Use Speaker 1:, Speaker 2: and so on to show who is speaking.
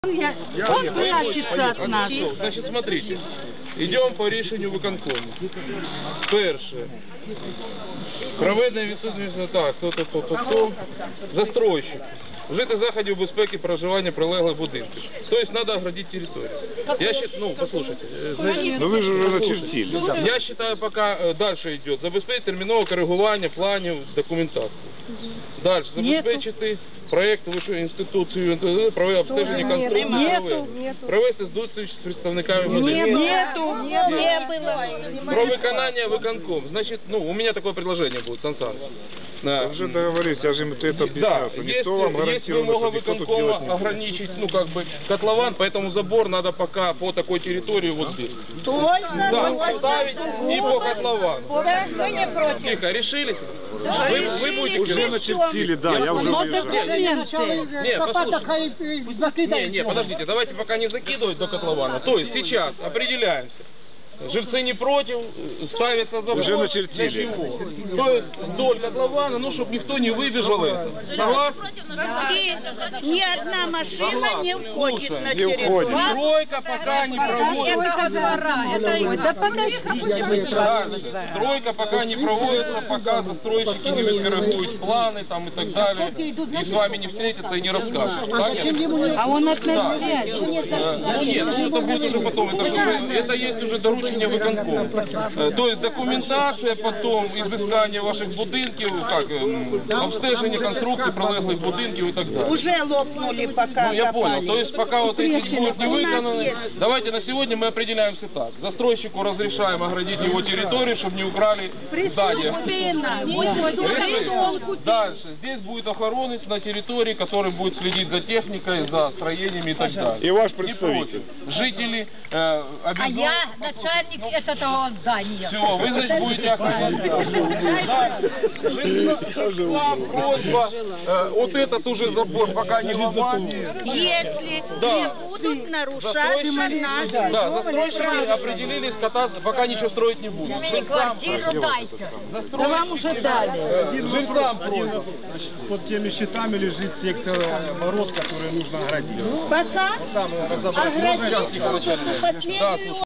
Speaker 1: Он прячется от нас.
Speaker 2: Значит, смотрите, идем по рішенню виконкому. Перше. Проведення відсутності так, застройщик. Вжити заходів безпеки проживання прилеглих будинків. Тобто треба оградити територію. Я считаю, послушайте.
Speaker 3: Но вы же уже начертили.
Speaker 2: Я считаю, пока дальше идет. Забезпечити термінове коригування планів, документації. Дальше. Забезпечити проєкт вищої інституції, провести обстеження конструкції, провести зустріч з представниками будинку. Про виконання виконком. Значит, у меня такое предложение будет, Сан Саныч.
Speaker 3: Вы уже договорились, я же им это объяснял, что никто вам гарантирует, что никто тут делать не будет.
Speaker 2: ограничить, котлован, поэтому забор надо пока по такой территории вот здесь. Да, поставить и по котловану.
Speaker 4: Мы не против.
Speaker 2: Тихо, решились?
Speaker 4: Да,
Speaker 2: Вы будете
Speaker 3: Уже начертили, да, я уже выезжаю.
Speaker 2: Не, подождите, давайте пока не закидывать до котлована. То есть сейчас определяемся. Жильцы не против, ставится забор.
Speaker 3: Уже начертили.
Speaker 2: То есть вдоль котлована, чтобы никто не выбежал. Согласны?
Speaker 4: Ни одна машина не входит на
Speaker 3: Не
Speaker 4: территорию.
Speaker 3: уходит.
Speaker 2: Стройка пока не проводится. Дальше. Стройка пока не проводится, пока застройщики не скоррегуют планы там, и так далее. И с вами не встретятся и не расскажут. Понятно?
Speaker 1: А он от нас
Speaker 2: Нет, это будет уже потом. Это есть уже доручение виконкому. То есть документация потом, изыскание ваших будинків, обстеження конструкций прилеглих будинків и так далее.
Speaker 4: Уже лопнули, пока
Speaker 2: Я понял.
Speaker 4: копали.
Speaker 2: То есть пока вот эти будут не выполнены, давайте на сегодня мы определяемся так. Застройщику разрешаем оградить его территорию, чтобы не украли здание. Решили? Дальше. Здесь будет охоронец на территории, который будет следить за техникой, за строениями и так далее.
Speaker 3: И ваш
Speaker 2: Не
Speaker 3: представитель.
Speaker 2: против. Жители
Speaker 4: А
Speaker 2: обязательно...
Speaker 4: я начальник этого здания.
Speaker 2: Все, вы, значит, будете охранять. Вам просьба, вот этот уже забор пока не ломать.
Speaker 4: Если
Speaker 2: Да.
Speaker 4: не будут нарушать наши
Speaker 2: Да, застройщики определились кататься, пока ничего строить не будут.
Speaker 4: мне квартиру дайте.
Speaker 1: Да вам уже дали.
Speaker 2: Жильцам просьба.
Speaker 5: Под теми щитами лежит сектор ворот, который нужно оградить.
Speaker 4: Пока
Speaker 2: Там разобрать. Можно сейчас, Николай Начальник?
Speaker 4: последнюю